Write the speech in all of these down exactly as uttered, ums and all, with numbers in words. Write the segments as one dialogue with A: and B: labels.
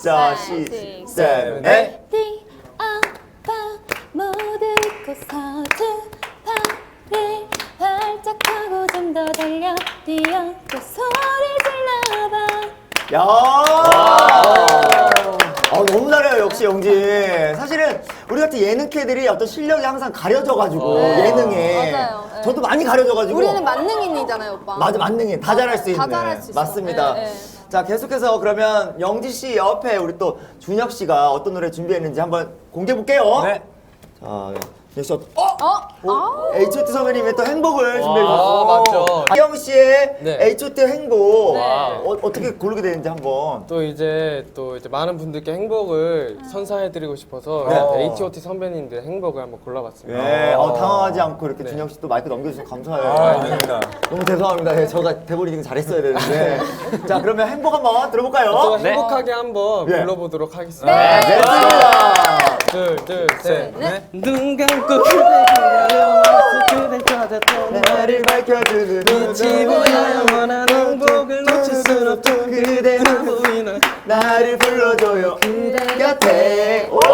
A: 자, 시, 셋, 넷.
B: 네 아빠 모두 잊고서 두 팔을 활짝 펴고 좀 더 달려 뛰어 또 소리 질러봐.
A: 야, 아, 너무 잘해요 역시 영진. 사실은 우리 같은 예능캐들이 어떤 실력이 항상 가려져가지고
B: 네.
A: 예능에
B: 맞아요. 네.
A: 저도 많이 가려져가지고
B: 우리는 만능인이잖아요, 오빠.
A: 맞아, 만능해. 다 잘할 수 있는.
B: 다 잘할 수 있어.
A: 맞습니다.
B: 네, 네.
A: 자, 계속해서 그러면 영지 씨 옆에 우리 또 준혁 씨가 어떤 노래 준비했는지 한번 공개해 볼게요.
C: 네.
A: 자, 준혁 씨, 어?
B: 어? 아.
A: 에이치 오 티 선배님의 또 행복을 준비해 주셨어요.
C: 아, 맞죠.
A: 희영 씨의
D: 네.
A: 에이치 오 티 행복
B: 네.
A: 어, 어떻게 고르게 되는지 한번.
D: 또 이제 또 이제 많은 분들께 행복을 선사해드리고 싶어서
A: 네.
D: 에이치 오 티 선배님들의 행복을 한번 골라봤습니다.
A: 네, 어, 당황하지 않고 이렇게
D: 네.
A: 준혁 씨 또 마이크 넘겨주셔서 감사해요.
C: 아, 아닙니다.
A: 너무 죄송합니다. 네, 제가 대본 읽기 잘했어야 되는데. 자, 그러면 행복 한번 들어볼까요?
D: 또 행복하게 한번
A: 네.
D: 불러보도록 하겠습니다.
A: 네, 좋습니다.
D: 둘, 둘, 셋.
C: 네.
D: 눈 감고 그대 기다려 그대 찾았던
A: 나를 밝혀주는
D: 빛이 보여 영원한 행복을 놓칠 순 없던
A: 그대
D: 보이는
A: 나를 불러줘요 곁에. 오!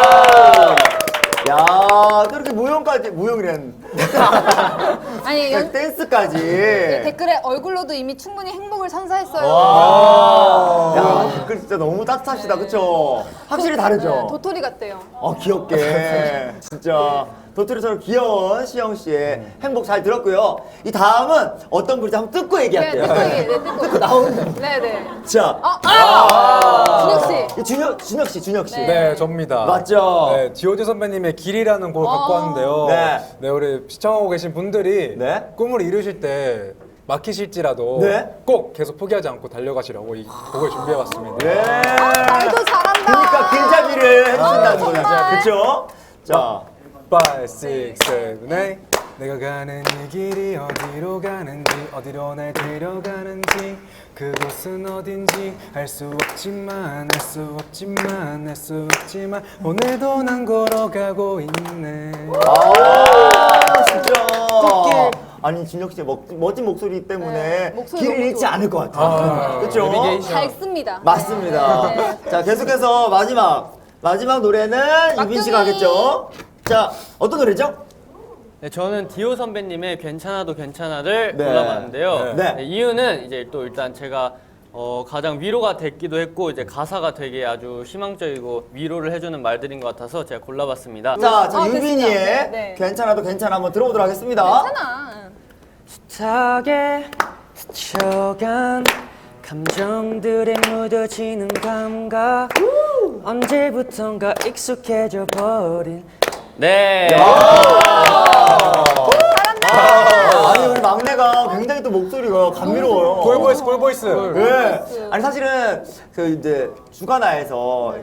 A: 야, 또 이렇게 무용까지 무용이란
B: 아니, 연,
A: 댄스까지.
B: 댓글에 얼굴로도 이미 충분히 행복을 선사했어요.
A: 야, 댓글 진짜 너무 따뜻하시다, 그쵸? 확실히 다르죠?
B: 네, 도토리 같대요.
A: 어, 귀엽게. 진짜 도토리처럼 귀여운 시영 씨의 행복 잘 들었고요. 이 다음은 어떤 글인지 한번 뜯고
B: 네,
A: 얘기할게요.
B: 뜯고 얘기해, 네, 뜯고.
A: 뜯고 나오는.
B: 네네.
A: 자,
B: 아, 아! 준혁 씨.
A: 이 준혁, 준혁 씨, 준혁 씨.
B: 네.
C: 네, 접니다.
A: 맞죠?
C: 네, 지오지 선배님의 길이라는 곡을 갖고
B: 아.
C: 왔는데요.
A: 네.
C: 네. 우리 시청하고 계신 분들이
A: 네.
C: 꿈을 이루실 때 막히실지라도
A: 네.
C: 꼭 계속 포기하지 않고 달려가시라고 이 곡을 준비해봤습니다.
A: 네.
B: 말도 잘한다.
A: 그러니까 길잡이를 해주신다는
B: 아,
A: 거죠.
B: 정말.
A: 그쵸? 자,
C: five, six, seven, eight. 내가 가는 이 길이 어디로 가는지 어디로 날 데려가는지 그곳은 어딘지 알 수 없지만 알 수 없지만 알 수 없지만 오늘도 난 걸어가고 있네.
A: 아, 진짜. 아니, 준혁 씨의 멋, 멋진 목소리 때문에
B: 네, 목소리
A: 길을
B: 너무
A: 잃지
B: 좋아.
A: 않을 것 같아요. 그쵸?
B: 밝습니다.
A: 맞습니다.
B: 네.
A: 자, 계속해서 마지막. 마지막 노래는 유빈 씨가
B: 막둥이.
A: 하겠죠? 자, 어떤 노래죠?
E: 네, 저는 디오 선배님의 괜찮아도 괜찮아를
A: 네.
E: 골라봤는데요.
A: 네.
E: 네, 이유는 이제 또 일단 제가 어, 가장 위로가 됐기도 했고 이제 가사가 되게 아주 희망적이고 위로를 해주는 말들인 것 같아서 제가 골라봤습니다.
A: 자, 저
B: 아,
A: 유빈이의
B: 됐습니다. 네, 네.
A: 괜찮아도 괜찮아 한번 들어보도록 하겠습니다.
B: 괜찮아.
E: 탁에 스쳐간 감정들에 묻어지는 감각 언제부턴가 익숙해져 버린 네.
A: 아니, 우리 막내가 굉장히 또 목소리가 감미로워요.
C: 꿀보이스 꿀보이스.
A: 네. 아니, 사실은 그 이제 주간화에서